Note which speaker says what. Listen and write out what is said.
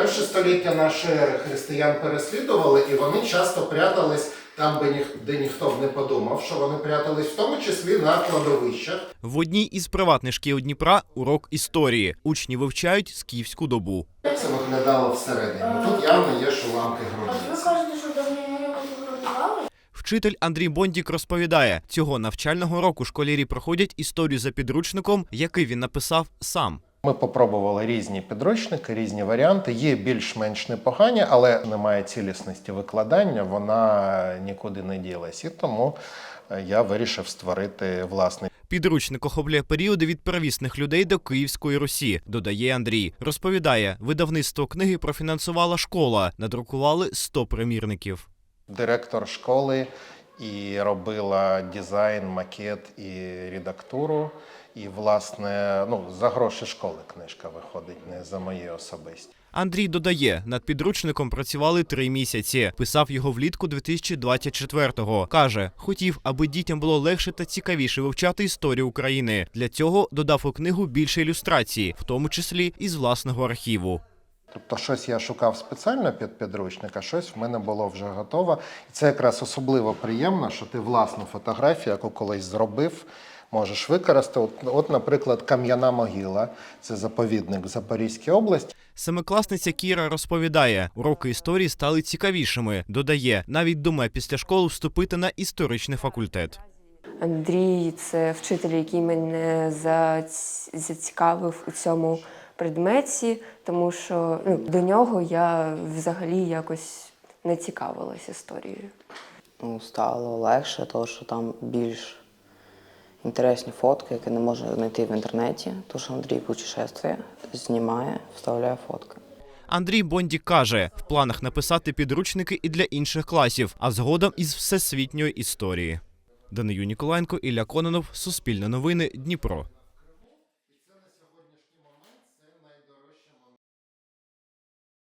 Speaker 1: перше століття нашої ери християн переслідували, і вони часто прятались там, де ніхто б не подумав, що вони прятались, в тому числі на кладовищах.
Speaker 2: В одній із приватних шкіл Дніпра урок історії. Учні вивчають скіфську добу.
Speaker 1: Як це виглядало всередині? Тут явно є, що ламки
Speaker 3: Ви
Speaker 1: грудниці.
Speaker 3: кажете, що давно годували?
Speaker 2: Вчитель Андрій Бондік розповідає, цього навчального року школярі проходять історію за підручником, який він написав сам.
Speaker 1: Ми попробували різні підручники, різні варіанти. Є більш-менш непогані, але немає цілісності викладання, вона нікуди не ділась. І тому я вирішив створити власний.
Speaker 2: Підручник охоплює періоди від первісних людей до Київської Русі, додає Андрій. Розповідає, видавництво книги профінансувала школа, надрукували 100 примірників.
Speaker 1: Директор школи і робила дизайн, макет і редактуру. І, власне, за гроші школи книжка виходить, не за мої особисті.
Speaker 2: Андрій додає, над підручником працювали 3 місяці. Писав його влітку 2024-го. Каже, хотів, аби дітям було легше та цікавіше вивчати історію України. Для цього додав у книгу більше ілюстрацій, в тому числі із власного архіву.
Speaker 1: Тобто щось я шукав спеціально під підручник, а щось в мене було вже готово. І це якраз особливо приємно, що ти власну фотографію, яку колись зробив, можеш використати. От, наприклад, Кам'яна могила – це заповідник в Запорізькій області.
Speaker 2: Семикласниця Кіра розповідає, уроки історії стали цікавішими. Додає, навіть думає після школи вступити на історичний факультет.
Speaker 4: Андрій – це вчитель, який мене зацікавив у цьому предметі, тому що до нього я взагалі якось не цікавилась історією.
Speaker 5: Стало легше, тому що там більш інтересні фотки, які не можна знайти в інтернеті, тому що Андрій путешествує, знімає, вставляє фотки.
Speaker 2: Андрій Бондік каже, в планах написати підручники і для інших класів, а згодом із всесвітньої історії. Данию Ніколаєнко, Ілля Кононов, Суспільне новини, Дніпро.